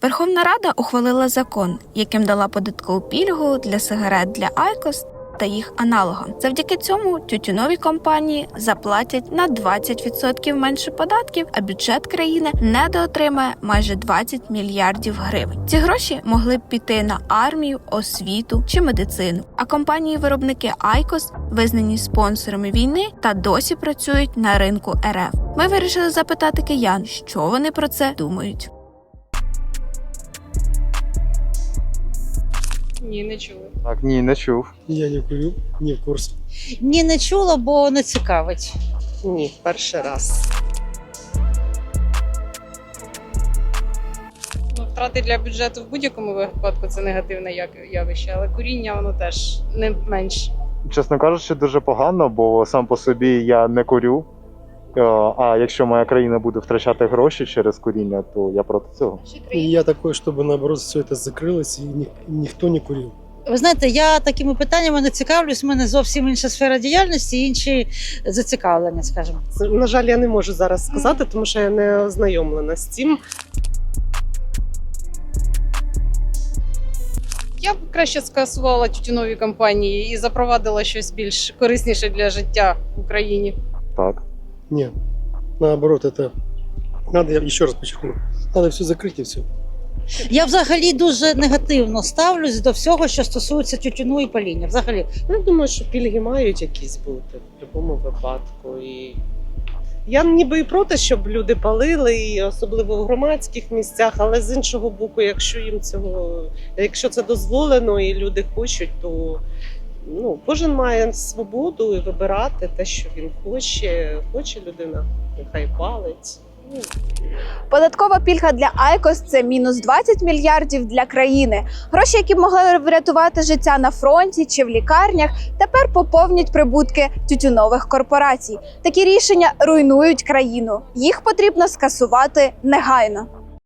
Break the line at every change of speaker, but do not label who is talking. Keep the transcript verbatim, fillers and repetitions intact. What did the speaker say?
Верховна Рада ухвалила закон, яким дала податкову пільгу для сигарет для айкос та їх аналогам. Завдяки цьому тютюнові компанії заплатять на двадцять відсотків менше податків, а бюджет країни недоотримає майже двадцять мільярдів гривень. Ці гроші могли б піти на армію, освіту чи медицину. А компанії-виробники айкос визнані спонсорами війни та досі працюють на ринку ер еф. Ми вирішили запитати киян, що вони про це думають.
Ні, не чули.
Так, ні, не чув.
Я не курю, не в курсі.
Ні, не чула, бо не цікавить.
Ні, перший раз.
Ну, втрати для бюджету в будь-якому випадку це негативне явище, але куріння воно теж не менш.
Чесно кажучи, дуже погано, бо сам по собі я не курю. Е, А якщо моя країна буде втрачати гроші через куріння, то я проти цього.
И я такой, чтобы наоборот все это закрылось и ни- никто не курил.
Ви знаєте, я такими питаннями не цікавлюсь, у мене зовсім інша сфера діяльності, інші зацікавлення, скажімо.
На жаль, я не можу зараз сказати, тому що я не ознайомлена з цим.
Я б краще скасувала тютюнові компанії і запровадила щось більш корисніше для життя в Україні.
Так.
Нет, наоборот, это надо, я еще раз подчеркну, надо все закрыть и все.
Я взагалі дуже негативно ставлюсь до всього, що стосується тютюну і паління. Взагалі.
Ну, я думаю, що пільги мають якісь бути в будь-якому випадку. І я ніби і проти, щоб люди палили, і особливо в громадських місцях, але з іншого боку, якщо їм цього, якщо це дозволено і люди хочуть, то ну, кожен має свободу і вибирати те, що він хоче. Хоче людина, нехай палить. Ну,
Податкова пільга для айкос – це мінус двадцять мільярдів для країни. Гроші, які б могли врятувати життя на фронті чи в лікарнях, тепер поповнять прибутки тютюнових корпорацій. Такі рішення руйнують країну. Їх потрібно скасувати негайно.